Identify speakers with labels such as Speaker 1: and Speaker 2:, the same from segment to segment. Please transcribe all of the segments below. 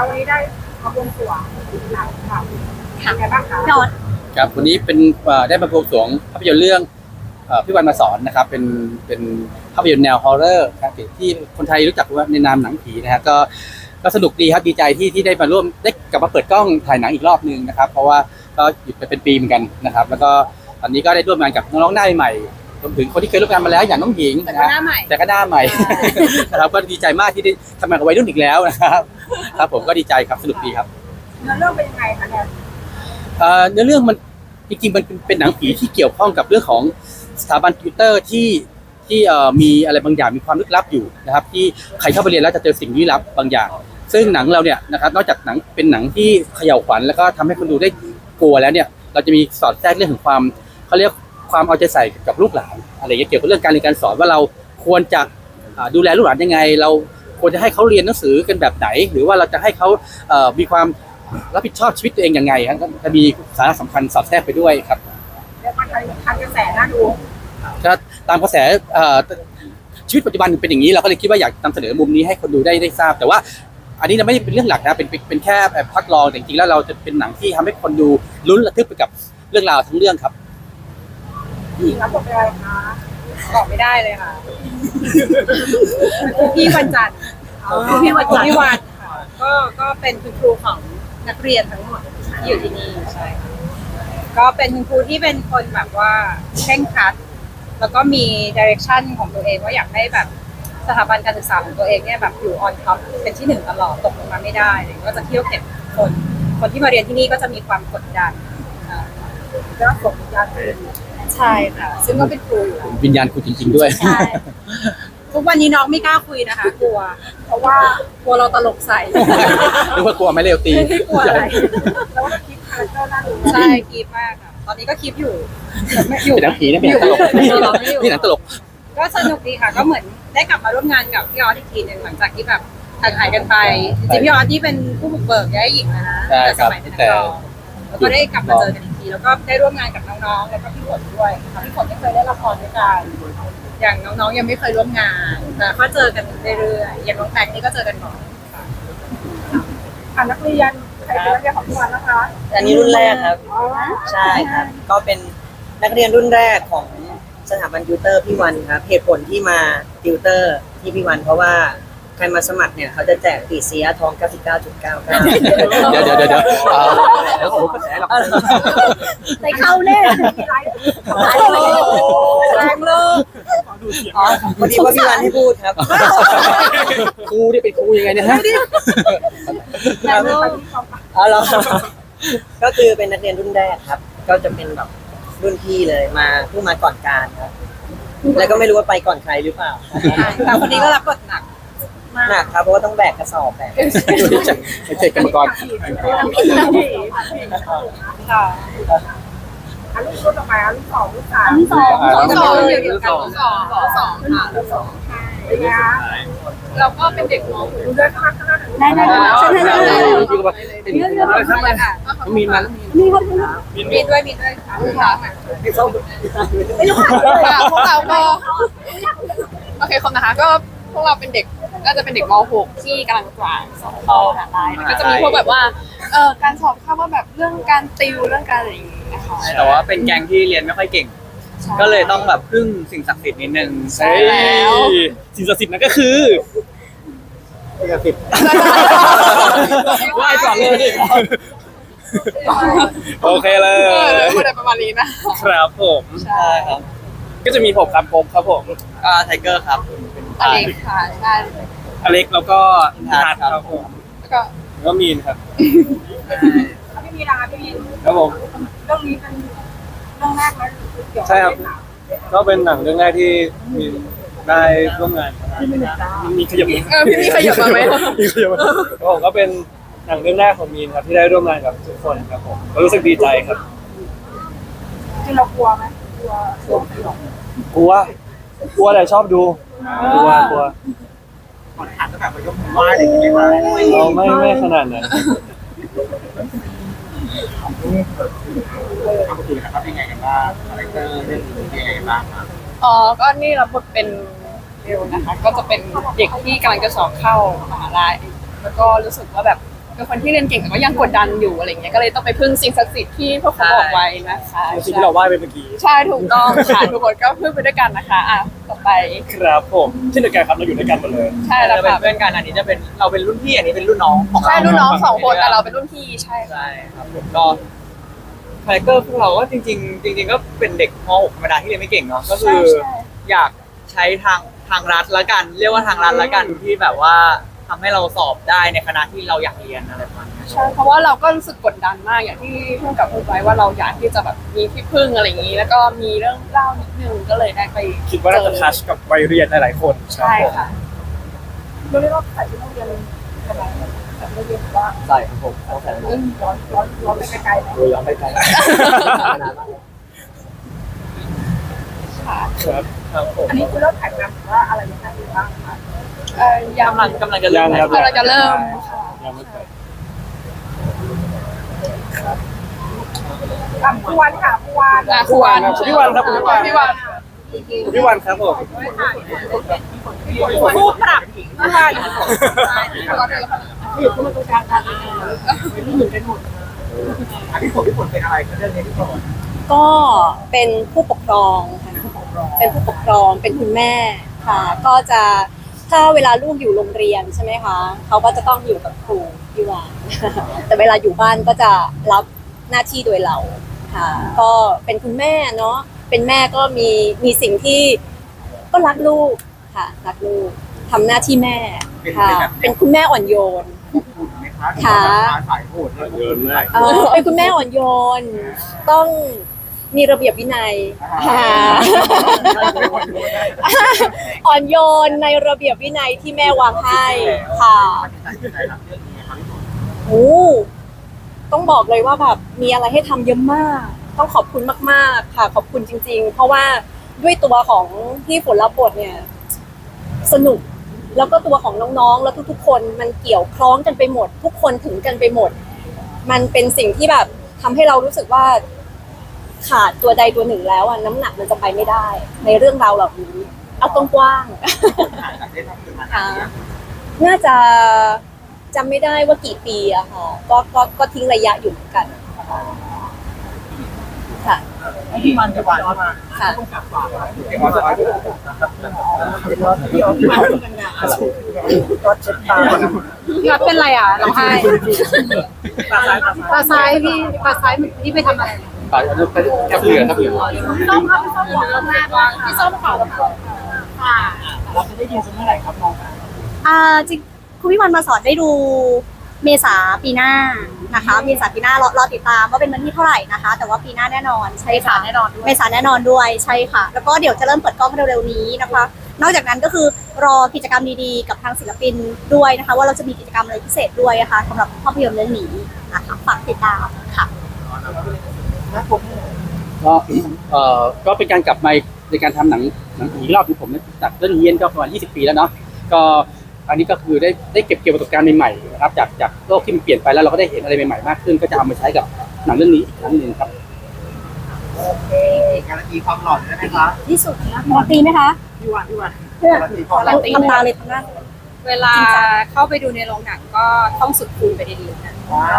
Speaker 1: เราวันนี้ได้มาบวงสรวงหนังค่ะเป็นไงบ้างคะ
Speaker 2: ยอด
Speaker 3: ครับวันนี้เป็นได้มาบวงสรวงภาพยนตร์เรื่องพี่วันมาสอนนะครับเป็นภาพยนตร์แนวฮอร์เรอร์ครับที่คนไทยรู้จักว่าในนามหนังผีนะฮะก็สนุกดีครับดีใจที่ได้มาร่วมได้กลับมาเปิดกล้องถ่ายหนังอีกรอบนึงนะครับเพราะว่าก็หยุดไปเป็นปีเหมือนกันนะครับแล้วก็ตอนนี้ก็ได้ร่วมงานกับน้องๆหน้าใหม่รวมถึงคนที่เคยร่วมงานมาแล้วอย่างน้องหญิง
Speaker 2: แต่ก็หน้าใหม่
Speaker 3: แต่ก็หน้าใหม่ นะครับก็ดีใจมากที่ได้ทำงานกับวัยรุ่นอีกแล้วนะครับครับผมก็ดีใจครับสนุกดีครับ
Speaker 1: เนื้อเรื่องเป็นยังไงคะเนี่ย
Speaker 3: เนื้อเรื่องมันจริงๆมันเป็นหนังผีที่เกี่ยวข้องกับเรื่องของสถาบันติวเตอร์ที่มีอะไรบางอย่างมีความลึกลับอยู่นะครับที่ใครเข้าไปเรียนแล้วจะเจอสิ่งลี้ลับบางอย่าง ซึ่งหนังเราเนี่ยนะครับนอกจากหนังเป็นหนังที่เขย่าขวัญแล้วก็ทำให้คนดูได้กลัวแล้วเนี่ยเราจะมีสอดแทรกเรื่องของความเขาเรียกความเอาใจใส่กับลูกหลานอะไรเงี้ยเกี่ยวกับเรื่องการเรียนการสอนว่าเราควรจะดูแลลูกหลานยังไงเราควรจะให้เขาเรียนหนังสือกันแบบไหน หรือว่าเราจะให้เขามีความรับผิดชอบชีวิตตัวเองยังไงครับก็จะมีสาระสำคัญสอดแทรกไปด้วยครับ
Speaker 1: เรียกว่าทันกระแสน่าดู
Speaker 3: ก็ตามกระแสชีวิตปัจจุบันเป็นอย่างนี้เราก็เลยคิดว่าอยากนำเสนอมุมนี้ให้คนดูได้ทราบแต่ว่าอันนี้ไม่ได้เป็นเรื่องหลักนะเป็นแค่พักรองแต่จริงๆแล้วเราจะเป็นหนังที่ทำให้คนดูลุ้นระทึกไปกับเรื่องราวทั้งเรื่องครับ
Speaker 1: หญิงรับบทเป็นอะไรคะ
Speaker 2: บอกไม่ได้เลยค่ะพี่วันจันทร์พี่วันค่ะก็เป็นคุณครูของนักเรียนทั้งหมดที่อยู่ที่นี่ใช่ค่ะก็เป็นคุณครูที่เป็นคนแบบว่าเคร่งครัดแล้วก็มีดิเรกชันของตัวเองว่าอยากให้แบบสถาบันการศึกษาของตัวเองเนี่ยแบบอยู่ออนท็อปเป็นที่หนึ่งตลอดตกลงมาไม่ได้เลยก็จะเที่ยวเก็บคนที่มาเรียนที่นี่ก็จะมีความกดดัน
Speaker 1: แล้วส่งยาคืน
Speaker 2: ใช่ค่ะซึ่งก็เป็นครูอยู่แล้ว
Speaker 3: วิญญาณคุณจริงๆด้วย
Speaker 2: ใช่ทุกวันนี้น้องไม่กล้าคุยนะคะกลัว
Speaker 1: เพราะว่าก
Speaker 2: ลัวเราตลกใส่
Speaker 3: นึกว่ากลัวไม่เร็วตี
Speaker 2: ไม่กลัวอะไร
Speaker 1: แล้วว่าคิดคาแรคเตอร์น่าดู
Speaker 2: ใช่คีบมากค่ะตอนนี้ก็คีบอยู่ไม่อยู่
Speaker 3: เป็นหนังผีนะเป็นหนังตลก
Speaker 2: อยู่
Speaker 3: นี่หนังตลก
Speaker 2: ก็สนุกดีค่ะก็เหมือนได้กลับมาร่วมงานกับพี่ออสอีกทีหนึ่งหลังจากที่แบบห่างหายกันไปจริงๆพี่ออสที่เป็นผู้บุกเบิกย้ายหญิงนะ
Speaker 3: ใช่
Speaker 2: แต่
Speaker 3: ค
Speaker 2: ส
Speaker 3: รับ
Speaker 2: มัยเป็นนักร้องแล้วก็ได้กลับมาเจอกันอีกทีแล้วก็ได้ร่วมงานกับน้องๆแล้วก็พี่ฝนด้วยค่ะพี่ฝนไม่เคยได้ละครด้วยกันอย่างน้องๆยังไม่เคยร่วมงานแต่ก็เจอกันเรื่อยๆอย่างน้องแตงนี่ก็เจอกันบ่อยค่ะ
Speaker 1: นักเรียนใครเป็นนักเรียนของทุกวันนะคะ
Speaker 4: อันนี้รุ่นแรกครับ
Speaker 1: อ๋อ
Speaker 4: ใช่ครับ ก็เป็นนักเรียนรุ่นแรกของสถาบันติวเตอร์พี่วันครับเหตุผลที่มาติวเตอร์ที่พี่วันเพราะว่าใครมาสมัครเนี่ยเขาจะแจกปีเสียทอง 99.99
Speaker 3: เดี๋ยวผมกระแสหรอก
Speaker 2: ใส่เข้าแน่
Speaker 1: มีไลฟ์
Speaker 2: แรงเลย
Speaker 4: อ๋อพอดีว่าพี่วันให้พูดครับ
Speaker 3: ครูนี่เป็นครูยังไงเนี่ยฮะ
Speaker 2: แรงเลย
Speaker 4: อ๋อเหรอก็คือเป็นนักเรียนรุ่นแรกครับ ก็จะเป็นแบบรุ่นพี่เลยมาเพิ่งมาก่อนการครับ แล้วก็ไม่รู้ว่าไปก่อนใครหรือเปล่า
Speaker 2: แต่คนนี้ก็รับบทหนัก
Speaker 4: หนักครับเพราะว่าต้องแบกกระสอบแบก
Speaker 3: ไม่ใช่กรรมกร
Speaker 2: ค่ะ
Speaker 1: ลูกรุ่นต่อไปลูกสองลูกสาม
Speaker 2: สอง
Speaker 3: สอง
Speaker 2: เดียวกันสองค่ะ
Speaker 1: เป็นไงคะ
Speaker 2: เราก็เป็นเด็กม
Speaker 1: ดูด้วยข้างหน้า
Speaker 2: ได้ฉันให้ได้
Speaker 3: พี่ก็บอกเป็น
Speaker 2: เรื่องอะไรค่ะ
Speaker 3: มีมัน
Speaker 2: มีด้วยค่ะพวกเราก็โอเคคนนะคะก็พวกเราเป็นเด็กก็จะเป็นเด็กม .6 ที่กำลังจะสอบเข้ามหาลัยแล้วก็จะมีพวกแบบว่าการสอบเข้าว่าแบบเรื่องการติวเรื่องการอะไรอย่างงี้นะคะ
Speaker 5: แต่ว่าเป็นแก๊งที่เรียนไม่ค่อยเก่ง ก็เลยต้องแบบพึ่งสิ่งศักดิ์สิทธิ์นิดนึง
Speaker 2: ใช่แล้ว
Speaker 5: สิ่งศักดิ์สิทธิ์นั่นก็คือไหว้ก่อนเลย โอเคเลย
Speaker 2: พูดอะไรประมาณนี้นะครับ
Speaker 5: ผม
Speaker 2: ใช่ครับ
Speaker 5: ก็จะมีผมครับผมครับผมไทเกอร์ครับ
Speaker 2: อเล็กค่ะใช่
Speaker 5: อเล็กแล้วก็ทัดครับผม
Speaker 2: แล้วก็
Speaker 5: แล้วก็มีนครับ
Speaker 1: พี่มีนะคะพี่มี
Speaker 5: ครับผม
Speaker 1: เรื่องนี้เป็นเรื่องแรกไหมเกี่ยวกั
Speaker 5: ใช่ครับ ก็เป็นหนังเรื่องแรกที่มีได้ร่วมงานมีขยับมือ
Speaker 2: พี่มีขยับมาไหม
Speaker 5: มีขยับมาผมก็เป็นหนังเรื่องแรกของมีนครับที่ได้ร่วมงานกับทุกคนครับผมก็รู้สึกดีใจครับ
Speaker 1: จริงเรากลัวไหมกลัวสยอง
Speaker 5: กลัวแต่ชอบดูกลัวเราไม่ขนาดนั้น
Speaker 2: อ๋อก็นี่รับบทเป็นเบลนะคะ ก็จะเป็นเด็กที่กำลังจะสอบเข้ามหาลัยแล้วก็รู้สึกว่าแบบ
Speaker 6: เป็นคนที่เรียนเก่งแต่ก็ยังกดดันอยู่อะไรเงี้ยก็เลยต้องไปพึ่งสิ่งศักดิ์สิทธิ์ที่พวกเขาบอกไว้นะคะ
Speaker 5: สิ่งที่เราไหว้ไปเมื่อกี้
Speaker 6: ใช่ถูกต้องค่ะทุกคนก็พึ่งไปด้วยกันนะคะอ่ะต่อไป
Speaker 5: ครับผมเช่นเดียวกันครับเราอยู่ด้วยกันหมดเลย
Speaker 6: ใช่แล้ว
Speaker 4: เราเป็น
Speaker 6: ค่ะ
Speaker 4: เพื่อนกันอันนี้จะเป็นเราเป็นรุ่นพี่อันนี้เป็นรุ่นน้องของ
Speaker 6: ใช่
Speaker 4: เรา
Speaker 6: รุ่นน้อง2 คนแต่เราเป็นรุ่นพี่ใช่ค่ะ
Speaker 4: ใช่ครับผมก็คาแรคเตอร์พวกเราก็จริงๆจริง ๆ ก็เป็นเด็กม .6 ธรรมดาที่เรียนไม่เก่งเนาะก็คืออยากใช้ทางรัฐละกัน เรียกว่าทางรัฐละกันที่แบบว่าทำให้เราสอบได้ในคณะที่เราอยากเรียนอะไรประมาณนี้
Speaker 6: ใช่เพราะว่าเราก็รู้สึกกดดันมากอย่างที่พูดกับพูดไว้ว่าเราอยากที่จะแบบมีที่พึ่งอะไรอย่างนี้ แล้วก็มีเรื่องเล่านิดนึงก็เลยได้ไป
Speaker 5: คิดว่าน่าจะทัชกับวัยเรียนหลายๆคน
Speaker 6: ใช่ค่ะ
Speaker 1: เราเรียกว่าใส่ชุดนักเรียนอะไรใส่ชุดนักเรียนว่า
Speaker 4: ใช่ครับผมต้องใส่
Speaker 1: ย้อนไปไกลๆไหม
Speaker 4: ดูย้อนไปไกล
Speaker 5: ครับครับผม
Speaker 1: อันนี้คือเริ่มถ่ายทำหรือว่าอะไรยังไงบ้างคะ
Speaker 6: ยัง
Speaker 4: กำลังจะเริ่ม
Speaker 5: ยังครับ
Speaker 6: กำลังจะเริ่มค่ะ
Speaker 5: ยังไม่เคย
Speaker 1: ผู้วันค่ะผู้วัน
Speaker 6: ครูวัน
Speaker 5: พี่วันครับพี่วัน
Speaker 6: พี่วัน
Speaker 5: พี่วันครับผม
Speaker 1: ผู้ปรับผู้วันอยู่ที่มันตรงกลางกันไม่รู้เหมือนกันหมดพี่ฝนเป็นอะไรกับเรื่องนี้พี่ฝน
Speaker 7: ก็เป็นผู้ปกครองค่ะเป็นผู้ปกครองเป็นคุณแม่ค่ะ ก็จะถ้าเวลาลูกอยู่โรงเรียนใช่ไหมคะเขาก็จะต้องอยู่กับครูพี่วาน แต่เวลาอยู่บ้านก็จะรับหน้าที่โดยเราค่ะ ก็เป็นคุณแม่เนาะเป็นแม่ก็มีสิ่งที่ก็รักลูกค่ะรักลูกทำหน้าที่แม่ค่ะ เป็นคุณแม่อ่อนโยน ค่ะ
Speaker 1: สายโหดเลย
Speaker 5: เยอะมาก
Speaker 7: เป็นคุณแม่อ่อนโยน ต้องมีระเบียบวินัยค่ะอ่อนโยนในระเบียบวินัยที่แม่วางให้ค่ะโอ้ต้องบอกเลยว่าแบบมีอะไรให้ทำเยอะมาก ต้องขอบคุณมากๆค่ะ ขอบคุณจริง ๆ เพราะว่าด้วยตัวของที่ฝนรับบทเนี่ย สนุกแล้วก็ตัวของน้องๆ แล้วทุกๆ คนมันเกี่ยวคล้องกันไปหมด ทุกคนถึงกันไปหมด มันเป็นสิ่งที่แบบทำให้เรารู้สึกว่าขาดตัวใดตัวหนึ่งแล้วอะน้ำหนักมันจะไปไม่ได้ ในเรื่องราวเหล่านี้เอาตรงกว้างๆค่ะน่าจะจำไม่ได้ว่ากี่ปีอะค่ะก็ทิ้งระยะอยู่เหมือนกันค่ะ
Speaker 1: พี่วันกับวันมา
Speaker 7: ค่ะ
Speaker 1: พี่วันก็เช็ดตา
Speaker 2: พี่วัดเป็นไรอ่ะร้องไห้ตาซ้ายพี่ตาซ้ายพี่ไปทำอะไร
Speaker 3: ปากแค่เรือครับ
Speaker 2: ส้มครับพี่ส้มขอรับแรกว่าพี่ส้มขอรับค่ะ
Speaker 1: เราจะได้ยินเมื่อไหร่ครับน้อง
Speaker 7: จริงคุณพี่วันมาสอนได้ดูเมษาปีหน้านะคะเมษาปีหน้ารอติดตามว่าเป็นวันที่เท่าไหร่นะคะ แต่ว่าปีหน้าแน่นอนใช่ค่ะ
Speaker 2: แน่นอนด้วย
Speaker 7: เมษาแน่นอนด้วยใช่ค่ะ แล้วก็เดี๋ยวจะเริ่มเปิดกล้องเร็วๆนี้นะคะ นอกจากนั้นก็คือรอกิจกรรมดีๆกับทางศิลปินด้วยนะคะ ว่าเราจะมีกิจกรรมอะไรพิเศษด้วยนะคะสำหรับภาพยนตร์เรื่องนี้นะคะฝากติดตามค่ะ
Speaker 3: ก็ก็เป็นการกลับมาในการทำหนังอีกรอบของผมเนี่ยจากเรื่องเยียนก็ประมาณ20 ปีแล้วเนาะก็อันนี้ก็คือได้เก็บเกี่ยวประสบการณ์ใหม่ๆนะครับจากโลกที่มันเปลี่ยนไปแล้วเราก็ได้เห็นอะไรใหม่ๆมากขึ้นก็จะเอามาใช้กับหนังเรื่องนี้อีกครั้งหนึ่งครับ
Speaker 1: โอเคการันตีความหล่อได้ไหมคะ
Speaker 7: ที่สุดนะมอตีไหมคะ
Speaker 1: พี่วันการันตีความห
Speaker 7: เรา
Speaker 1: ล่อ
Speaker 7: ทำตาเลยทำหน้า
Speaker 2: เวลาเข้าไปดูในโรงหนังก็ต้องสุดคูณไปดีๆนะ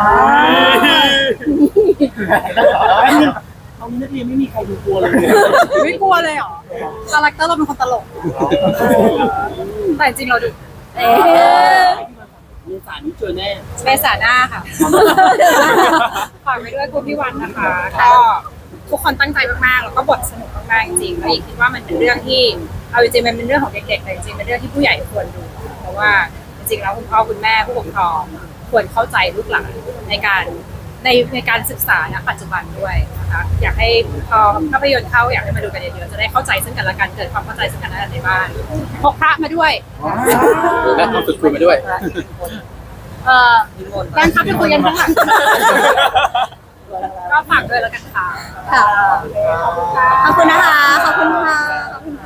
Speaker 1: ตอนนี้นักเรียนไม่มีใครดูกลัวเลย
Speaker 2: ไม่กลัวเลยเหรอคาแรคเตอร์เราเป็นคนตลกแต่จริงเราดู
Speaker 1: มีสารนี้เจอแน่
Speaker 2: เมษาหน้าค่ะฝากไว้ด้วยคุณพี่วันนะคะ ก็ทุกคนตั้งใจมากๆแล้วก็บทสนุกมากๆจริงๆแล้วอีกคิดว่ามันเป็นเรื่องที่เอาจริงๆมันเป็นเรื่องของเด็กๆแต่จริงๆเป็นเรื่องที่ผู้ใหญ่ควรดู เพราะว่าจริงๆแล้วคุณพ่อคุณแม่ผู้ปกครองควรเข้าใจลูกหลานในการศึกษาณปัจจุบันด้วยนะคะอยากให้พอภาพยนตร์เข้าอยากให้มาดูกันเยอะๆจะได้เข้าใจซึ่งกันและกันเกิดความเข้าใจซึ่งกันและกันในบ้านพกพระมาด้วย
Speaker 3: และต้องฝึกคุยมาด้วย
Speaker 2: การทับไปคุยกันข้างหลังก็ฝากด้วยแล้วกันค่ะ
Speaker 7: ค่ะขอบคุณนะคะขอบคุณค่ะ